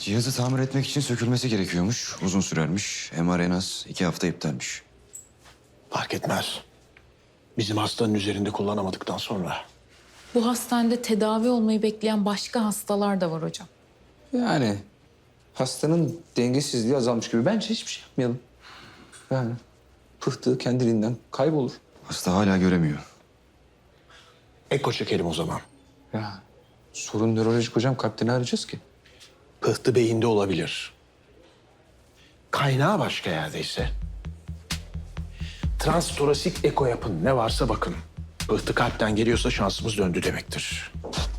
Cihazı tamir etmek için sökülmesi gerekiyormuş. Uzun sürermiş. MR en az 2 hafta iptalmiş. Fark etmez. Bizim hastanın üzerinde kullanamadıktan sonra. Bu hastanede tedavi olmayı bekleyen başka hastalar da var hocam. Yani hastanın dengesizliği azalmış gibi. Bence hiçbir şey yapmayalım. Yani pıhtığı kendiliğinden kaybolur. Hasta hala göremiyor. Eko çekelim o zaman. Ya sorun nörolojik hocam. Kalpten arayacağız ki. Pıhtı beyinde olabilir. Kaynağı başka yerdeyse. Transtorasik eko yapın. Ne varsa bakın. Pıhtı kalpten geliyorsa şansımız döndü demektir.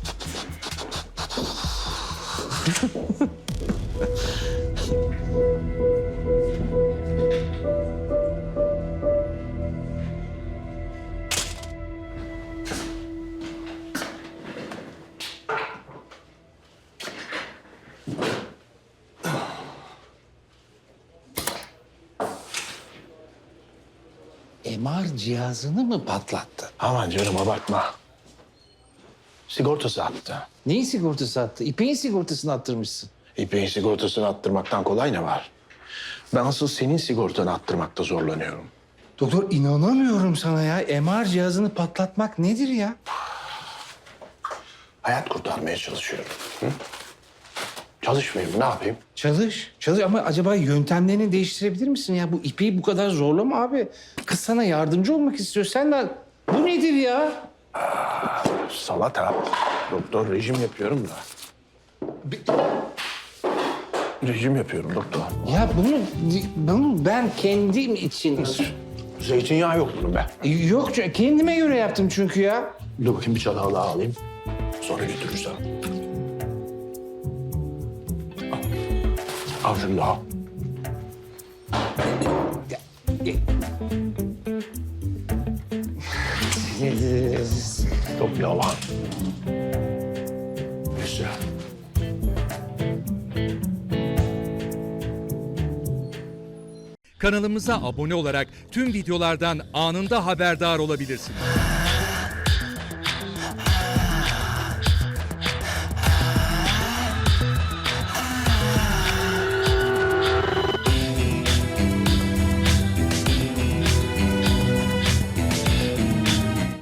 MR cihazını mı patlattı? Aman canım abartma. Sigortası attı. Neyin sigortası attı? İpek'in sigortasını attırmışsın. İpek'in sigortasını attırmaktan kolay ne var? Ben asıl senin sigortanı attırmakta zorlanıyorum. Doktor inanamıyorum sana ya. MR cihazını patlatmak nedir ya? Hayat kurtarmaya çalışıyorum. Hı? Çalışmayayım, ne yapayım? Çalış. Çalış ama acaba yöntemlerini değiştirebilir misin ya? Bu İpek'i bu kadar zorlama abi. Kız sana yardımcı olmak istiyor. Sen de... Bu nedir ya? Salata. Doktor, rejim yapıyorum da. Rejim yapıyorum doktor. Ya bunu ben kendim için... Zeytinyağı yok bunun be. Yok kendime göre yaptım çünkü ya. Dur bakayım bir çatal daha alayım. Sonra götürürsen. Al şunu daha. Çok yalan. Güzel. Kanalımıza abone olarak tüm videolardan anında haberdar olabilirsiniz.